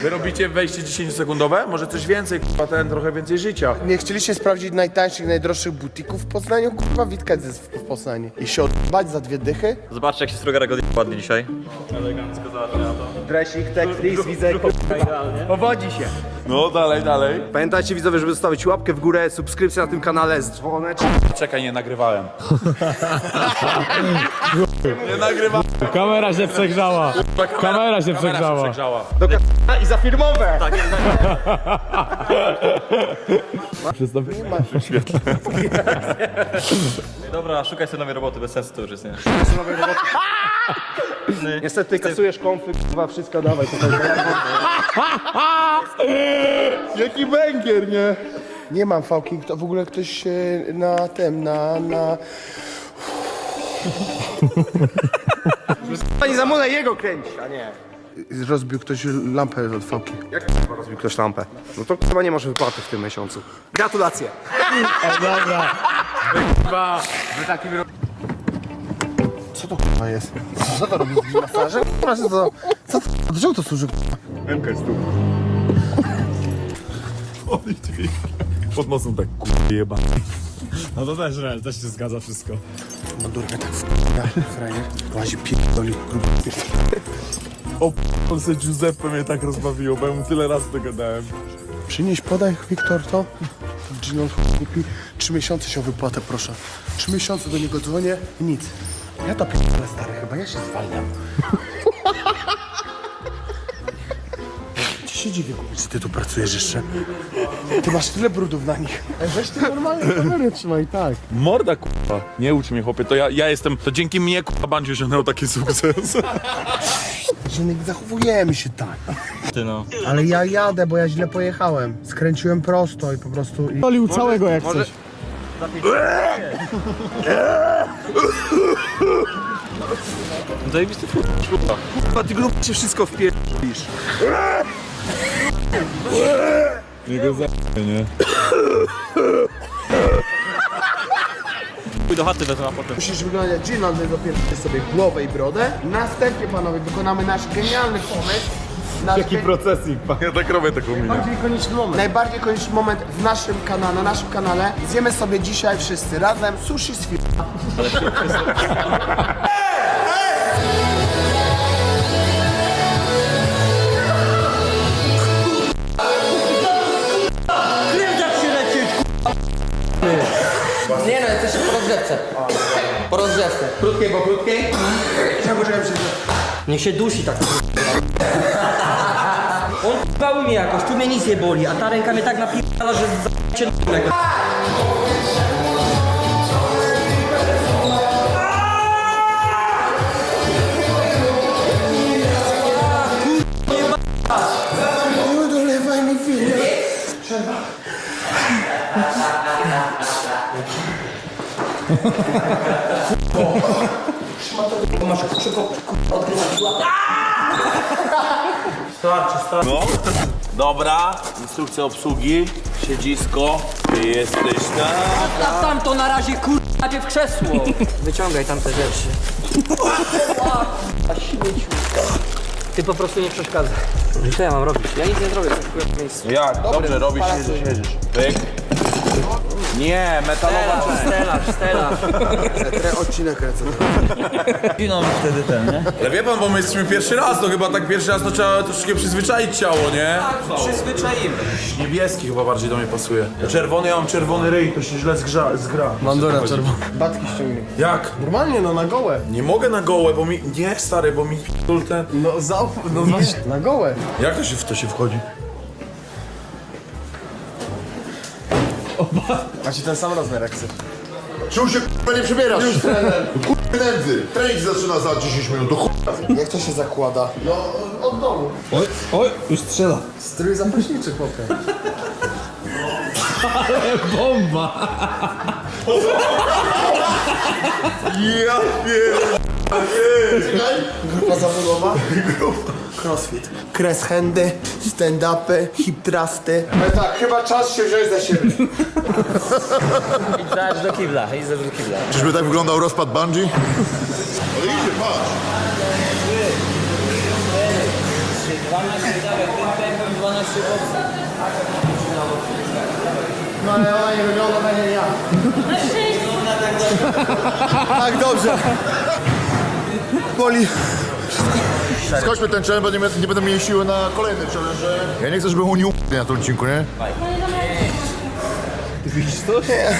Wy robicie wejście 10-sekundowe? Może coś więcej, kurwa, trochę więcej życia. Nie chcieliście sprawdzić najtańszych, najdroższych butików w Poznaniu? Kurwa, Witka jest w Poznaniu. I się odbać za 2 dychy? Zobaczcie, jak się Strugarek ładnie dzisiaj. Dresik, teklis, widzę, idealnie. Powodzi się. No, dalej. Pamiętajcie widzowie, żeby zostawić łapkę w górę, subskrypcję na tym kanale z dzwoneczkiem. Czekaj, nie nagrywałem. Nie nagrywałem. Kamera się przegrzała. Kamera się przegrzała. I za firmowe! Tak, dobra, szukaj sobie nowej roboty, bez sensu to już jest, nie? Niestety kasujesz konfy, kurwa, wszystko dawaj. Jaki węgier, nie? Nie mam fałki, to w ogóle ktoś na tym, na... Pani Zamula jego kręci, a nie. Rozbił ktoś lampę od fałki. Jak rozbił ktoś lampę? No to chyba nie masz wypłaty w tym miesiącu. Gratulacje. Dobra. Co to kurwa jest? Co to robi z masażem? Kurwa, co to? Do czego to służy? MK jest tu. Pod nosem tak, kurwa, jeba. No to też się zgadza wszystko. Madurka tak frajer. Łazi pierdoli. O, Polsce Giuseppe mnie tak rozbawiło, bo ja mu tyle razy tego dałem. Przynieś, podaj, Wiktor, to. Ginon kupi. 3 miesiące się o wypłatę, proszę. 3 miesiące do niego dzwonię i nic. Ja to pierdolę, stary, chyba ja się zwalniam. Ci się dziwię, że ty tu pracujesz jeszcze. Ty masz tyle brudów na nich. Weź ty normalnie kamerę trzymaj, tak. Morda, kurwa. Nie ucz mnie, chłopie, to ja jestem, to dzięki mnie, kurwa, Bandziu osiągnął taki sukces. Że nie zachowujemy się tak. Ty no. Ale ja jadę, bo ja źle pojechałem. Skręciłem prosto i po prostu... Olił całego jak coś. Zajebisty Kurwa, ty grub się wszystko wpierdolisz. Jego nie. Pójdź do chaty wezmę, a potem. Musisz wyglądać jak Ginon, my dopiero sobie głowę i brodę. Następnie, panowie, wykonamy nasz genialny pomysł. Jaki procesik, pan. Ja tak robię taką minę. Najbardziej konieczny moment w naszym kanale, na naszym kanale. Zjemy sobie dzisiaj wszyscy razem sushi z firmy. Nie no, jesteś po rozgrzewce. Po rozgrzewce. Krótkiej, bo krótkiej? Niech się dusi tak. On bały mnie jakoś, tu mnie nic nie boli, a ta ręka mnie tak napierdala, że się n***ego. Nie dolewaj mi winy. No, dobra, instrukcja obsługi, siedzisko, ty jesteś tam. A tam to na razie najpierw krzesło. Wyciągaj tam te rzeczy. A śmieciu. Ty po prostu nie przeszkadzaj. Co ja mam robić? Ja nic nie zrobię, to w miejscu. Jak? Dobrze, robisz, siedzisz. Pyk. Nie, metalowa część. Stelaż. Odcinek kręcę. Giną wtedy ten, nie? Ale wie pan, bo my jesteśmy pierwszy raz, to chyba tak pierwszy raz to trzeba troszeczkę przyzwyczaić ciało, nie? Przyzwyczaimy. Niebieski chyba bardziej do mnie pasuje. Czerwony, ja mam czerwony ryj, to się źle zgra. Bandura czerwona. Batki ściągnij. Jak? Normalnie, no na gołę. Nie mogę na gołe, bo mi... Nie, stary, bo mi ten... No no właśnie. Na gołę. Jak to się w to się wchodzi? Macie ten sam rozmiar jak chcesz. Czemu się k***a nie przebierasz? Już trener. K***a nędzy. Trening zaczyna za 10 minut. To k***a. Jak to się zakłada? No od domu. Oj, już strzela. Strój zapaśniczy, chłopie. Bomba. Ja Grupa zawodowa? Crossfit. Kres handy, stand-upy, hip thrusty. No tak, chyba czas się wziąć za siebie. Idź do kibla, do kibla. Czyżby tak wyglądał rozpad bungee? Ale idzie, patrz. 12, dawaj, No ale ona nie wygląda tak jak ja. Tak, dobrze. Boli. Skończmy ten challenge, bo nie będę mieli siły na kolejny challenge. Ja nie chcę, żeby Uni u***li na tym odcinku, nie? Widzisz to? Nie.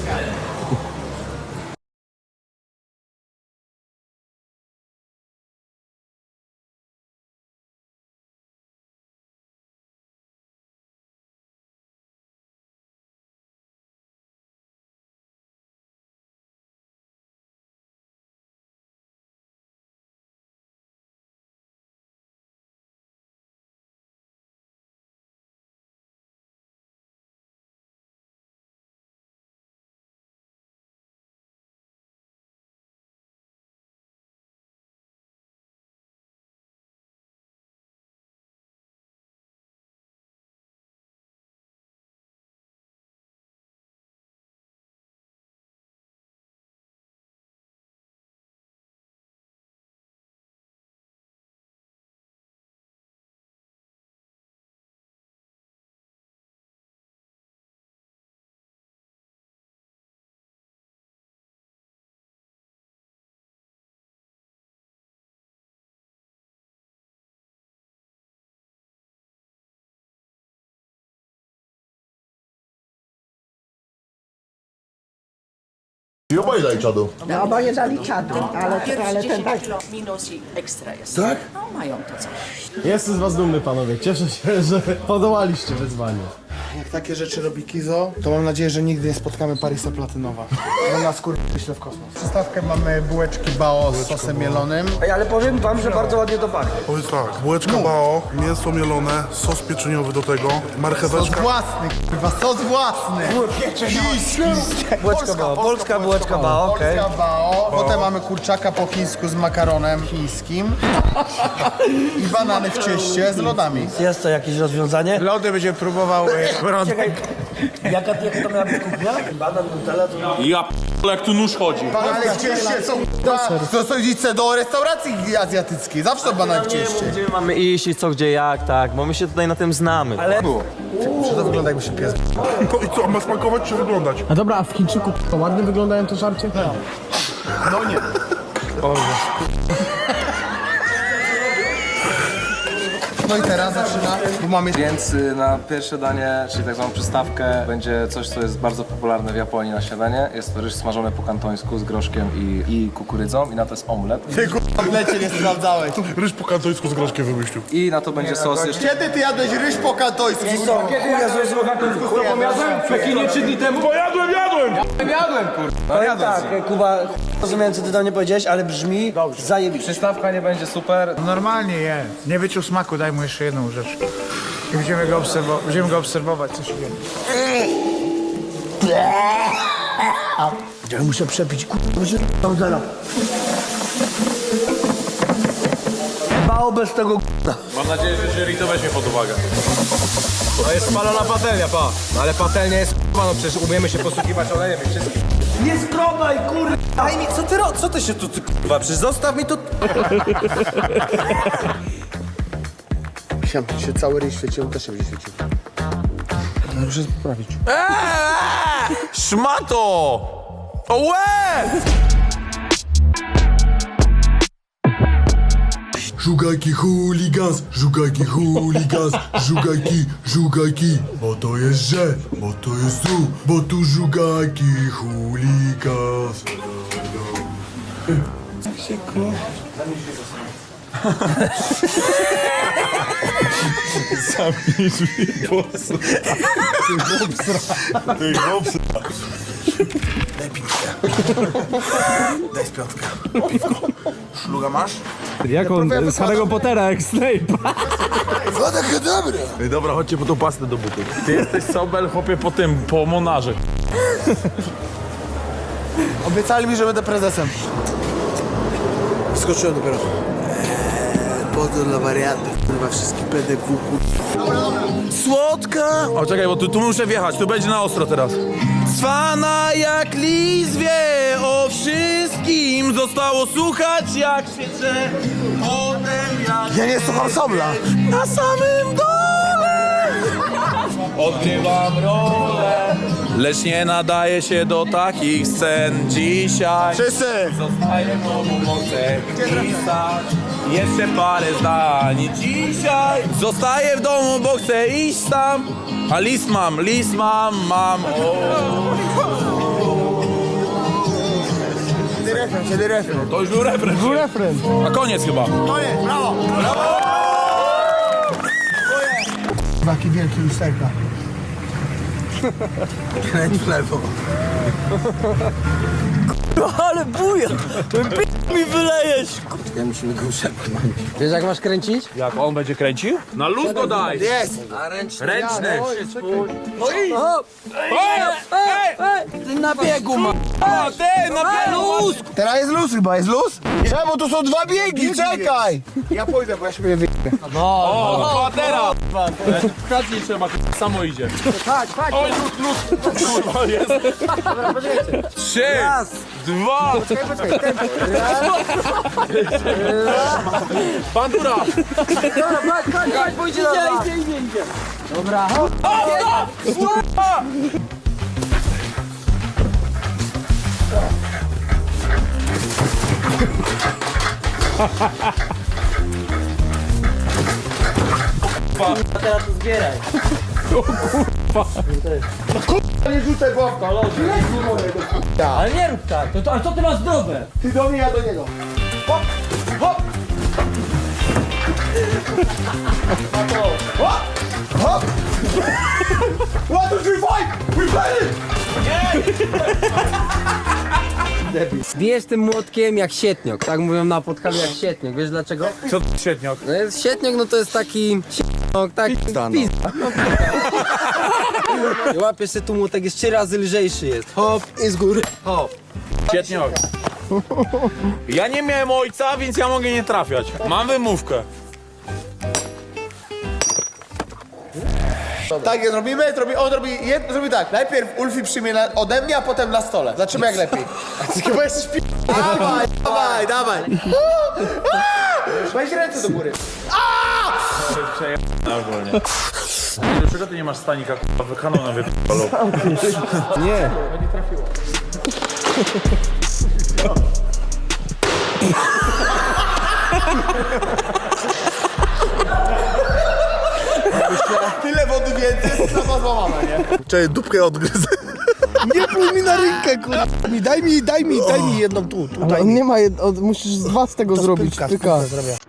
I oboje daj czadu. No oboje dali czadu, ale ten tak. Minus i ekstra jest. Tak? No mają to coś. Jestem z was dumny, panowie. Cieszę się, że podołaliście wyzwaniu. Jak takie rzeczy robi Kizo, to mam nadzieję, że nigdy nie spotkamy Parisa Platynowa. Bo nas wyśle w kosmos. W przystawkę mamy bułeczki bao z sosem mielonym. Ej, ale powiem wam, że bardzo ładnie to pachnie. Powiedz tak, bułeczka bao, mięso mielone, sos pieczeniowy do tego, Sos marcheweczka. własny, kurwa, sos własny. Bułeczka bao, polska bułeczka bao, okej. Polska bao. Potem mamy kurczaka po chińsku z makaronem chińskim. I banany w cieście z lodami. Jest to jakieś rozwiązanie? Lody będzie próbował... Czekaj, jaka to miała być kuchnia? Banan, nutella, to... Ja p***le, jak tu nóż chodzi. Banany w cieście są... To są idźcie do restauracji azjatyckiej. Zawsze są banany w cieście. Gdzie my mamy iść i co, gdzie, jak, tak, bo my się tutaj na tym znamy. Ale... Czy to wygląda jakby się pies... To i co, ma smakować czy wyglądać? A dobra, a w Chińczyku to ładnie wyglądają te żarcie? No nie. No i teraz zaczyna, bo mamy... Więc na pierwsze danie, czyli tak zwaną przystawkę, będzie coś, co jest bardzo popularne w Japonii na śniadanie. Jest to ryż smażony po kantońsku z groszkiem i kukurydzą i na to jest omlet. Ty kurwa w lecie nie sprawdzałeś. Ryż po kantońsku z groszkiem wymyślił. I na to będzie sos jeszcze... Kiedy ty jadłeś ryż po kantońsku? W Pekinie 3 dni temu? Powiem tak, Kuba, rozumiem co ty do mnie powiedziałeś, ale brzmi zajebiście. Przystawka nie będzie super. Normalnie je. Nie wyczuł smaku, daj mu jeszcze jedną rzecz. I będziemy go obserwować, co się dzieje. Ja muszę przepić, kurwa, się tam zera. Bao bez tego Mam nadzieję, że jury to weźmie pod uwagę. To jest spalona patelnia, pa. Ale patelnia jest k***a, no przecież umiemy się posługiwać olejem i wszystkim. Nie skrobaj, kurwa! Daj mi, co ty się tu, ty k***a, przecież zostaw mi to... Chciałem, tu się cały ryj świecił, on też się będzie świecił. No muszę poprawić. Szmato! Ołe! Żugajki chuligans, żugajki chuligans, żugajki, bo to jest że, bo to jest tu, bo tu żugajki chuligans. Zamknij drzwi, bosu. Ty chłopca. Daj z piątkę. Szluga masz? Jak on z Harry'ego Pottera, jak Snape. Woda kadabra. Ej, dobra, chodźcie po tą pastę do butów. Ty jesteś Sobel, chłopie, po monarze. Obiecali mi, że będę prezesem. Skoczyłem dopiero. Pozdro dla wariatów, kurwa, wszystkich PDW, Słodka! O, czekaj, bo tu muszę wjechać, tu będzie na ostro teraz. Cwana jak lis wie o wszystkim, zostało słuchać jak świece, potem jak... Ja nie słucham Sobla. Na samym dole odgrywam rolę, lecz nie nadaje się do takich scen. Dzisiaj Wszyscy! zostaję w domu, bo chcę pisać jeszcze parę zdań. Dzisiaj zostaję w domu, bo chcę iść tam, a list mam. Kiedy refren? To już był refren. Był refren. A koniec chyba. Koniec, brawo! Brawo! Taki wielki lusterka. Kręć w lewo. Ale buja! Mi wylejesz! Ja musimy go szepnąć. Wiesz jak masz kręcić? Jak on będzie kręcił? Na luz go daj. Jest! A ręczny. Ręczny. Ty na biegu ma. A ty, na luz. Teraz jest luz chyba, jest luz? Czemu to są dwa biegi, czekaj! Ja pójdę, bo ja się wyjdę. O, a teraz. Pchać nie trzeba, samo idzie. Chodź. Oj, luz. Kurwa, jest. 3, 2. Bandura. Chodź, pójdzie do was. Idzie. Dobra. A teraz to zbieraj. Nie rzucaj głowką. Ale nie rób tak. A co ty masz zdrowe? Ty do mnie, ja do niego. Hop, hop. Hop, hop. 1, 2, 3, 5. We play it. Bijesz tym młotkiem jak sietniok. Tak mówią na Podhalu jak sietniok. Wiesz dlaczego? Co to średniok? No jest sietniok, no to jest taki sietniok, tak pizda. I łapiesz się tu młotek, jest 3 razy lżejszy jest. Hop i z góry. Hop. Średniok. Ja nie miałem ojca, więc ja mogę nie trafiać. Mam wymówkę. Tak, zrobimy, on zrobi tak. Najpierw Ulfi przyjmie ode mnie, a potem na stole. Zobaczymy jak lepiej. Chyba jesteś Dawaj. Weź ręce do góry. Dlaczego ty nie masz stanika, k***a, wykaną na wypalą? Nie. Tyle wody więcej, jest sama złamana, nie? Czekaj, dupkę odgryzę. Nie pluj mi na rękę, kurwa. Daj mi jedną tu. Ale on nie ma, musisz z 2 z tego zrobić. Pyka.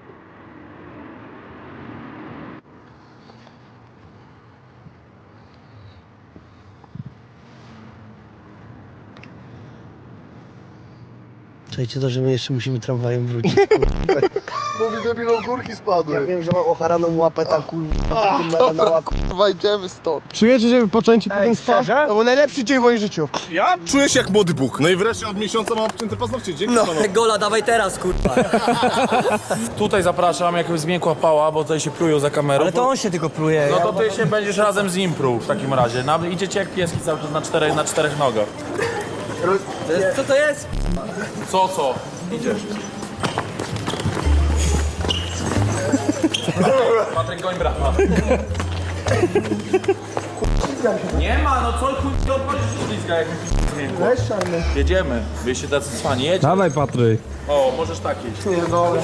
Czekajcie to, że my jeszcze musimy tramwajem wrócić. Mówi debilą górki spadły. Ja wiem, że mam ocharaną łapę, tak kurwa. Kurwa, idziemy stąd. Czujecie, że wypoczęcie po tym spa? To był najlepszy dzień w moim życiu. Ja czuję się jak młody Bóg. No i wreszcie od miesiąca mam obcięte paznokcie. Dzięki panowie. Gola, dawaj teraz, kurwa. Tutaj zapraszam, jak zmiękła pała, bo tutaj się plują za kamerą. Ale to on się tylko pluje. No to ty się będziesz razem z nim pruł w takim razie. Idziecie jak pieski cały czas na czterech nogach. Co to jest? Co? Idziesz. Patryk, goń brata. Nie ma, no co chuj to odpalisz ślizga, jak mi zmiękło. Jedziemy, wyście tacy cwani, jedź. Dawaj, Patryk. O, możesz tak iść. Nie.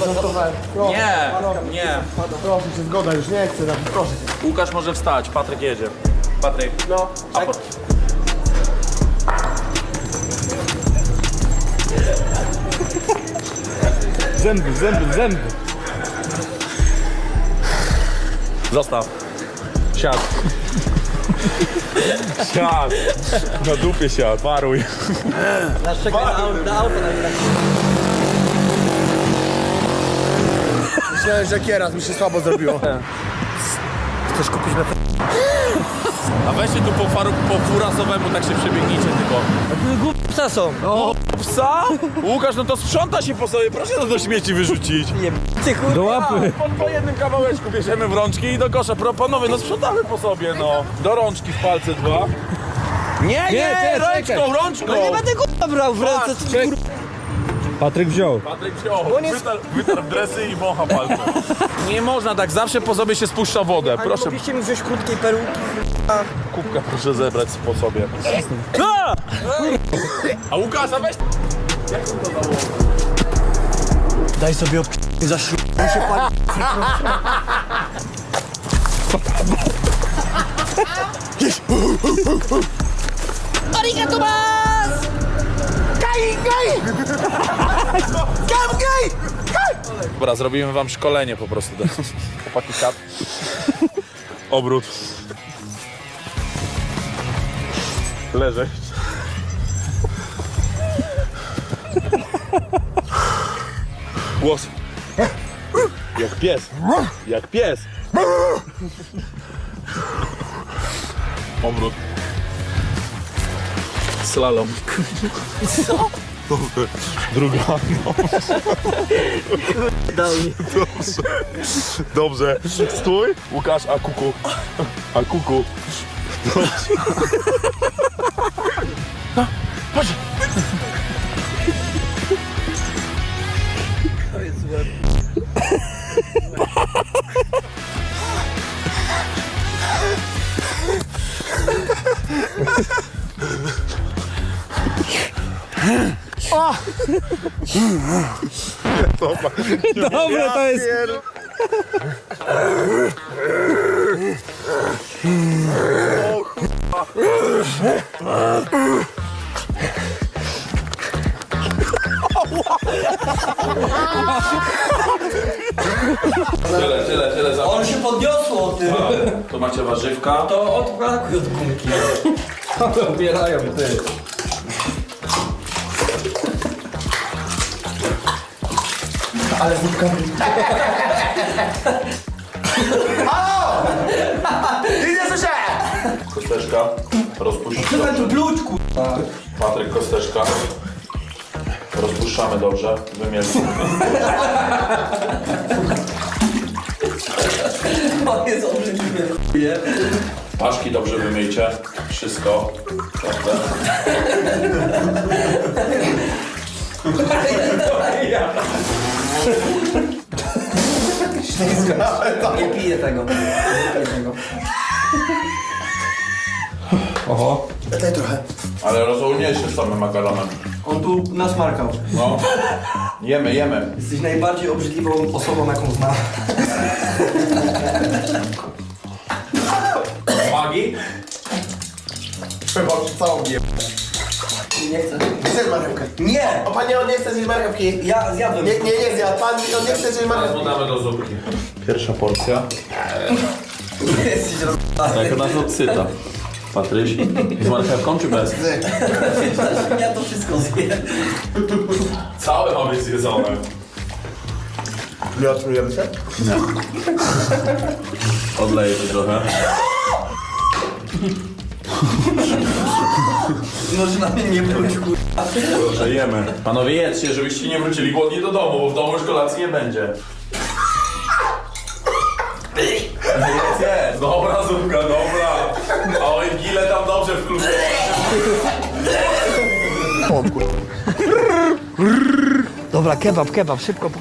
Proszę cię, zgoda już, nie chcę, proszę cię. Łukasz może wstać, Patryk jedzie. Patryk. No, tak. Zęby. Zostaw. Siad. Siad. Na dupie siad, paruj. Nasz czekaj na auto na ile. Myślałem, że kieras mi się słabo zrobiło. Chcesz kupić na A weźcie tu po furasowemu, tak się przebiegnijcie tylko. Psa są. O, psa? Łukasz, no to sprząta się po sobie, proszę to do śmieci wyrzucić. Ty kurwa. Do łapy. Po jednym kawałeczku bierzemy w rączki i do kosza. Panowie, no sprzątamy po sobie, no. Do rączki w palce 2. Nie, rączką. No nie będę kurwa brał w ręce. Co kurwa. Patryk wziął. Patryk wziął, wytarł dresy i wącha palce. Nie można tak, zawsze po sobie się spuszcza wodę. Proszę. Mogliście mi wziąć krótkiej peruki. Kubka proszę zebrać po sobie. A Łukasza weź... Daj sobie za śrub. się pali. Arigato mas! Gai, gai! Gam, gai! Dobra, zrobimy wam szkolenie po prostu. Chłopaki kat. Obrót. Leżeć. Głos. Jak pies. Jak pies. Obrót. Slalom. Co? Druga. No. Dobrze. Dobrze. Stój. Łukasz, a kuku. A kuku. Dobrze. No, chodź. To jest złe. O! Dobre to jest. Tyle. On się podniosło, ty. Tu macie warzywka. To odbrakuje od gumki. Odbierają, ty. Ale wódka... Nie słyszałem! Kosteczka. Rozpuszczamy. Co tu bluć, kurwa? Patryk, kosteczka. Rozpuszczamy dobrze. Wymielmy. To jest obrzydliwe, chuje. Paszki dobrze wymyjcie. Wszystko. Dobrze. Nie piję tego. Nie piję tego. Oho. Daj trochę. Ale rozumniejszy z samym makaronem. On tu nasmarkał. No. Jemy. Jesteś najbardziej obrzydliwą osobą, jaką znam. Magii? Trzeba całą nie. Nie chcę. Zjedz marchewkę. Nie! O panie, on nie chce zjeść marchewki. Ja zjadłem. Nie zjadł. Pan, on nie chce zjeść marchewki. Damy do zupki. Pierwsza porcja. Jesteś rozpalony. Tak nas odsyta. Patryś, z marchewką czy bez? Ja to wszystko zjem. Całe ma być zjedzone. Nie otrujemy się? Nie. Odleję to trochę. Może na mnie nie wróć, kurwa. Proszę, jemy. Panowie, jedzcie, żebyście nie wrócili głodni do domu, bo w domu już kolacji nie będzie. Jest. Dobra zupka, dobra. Oj, gile tam dobrze wkrótce. Dobra, kebab, szybko.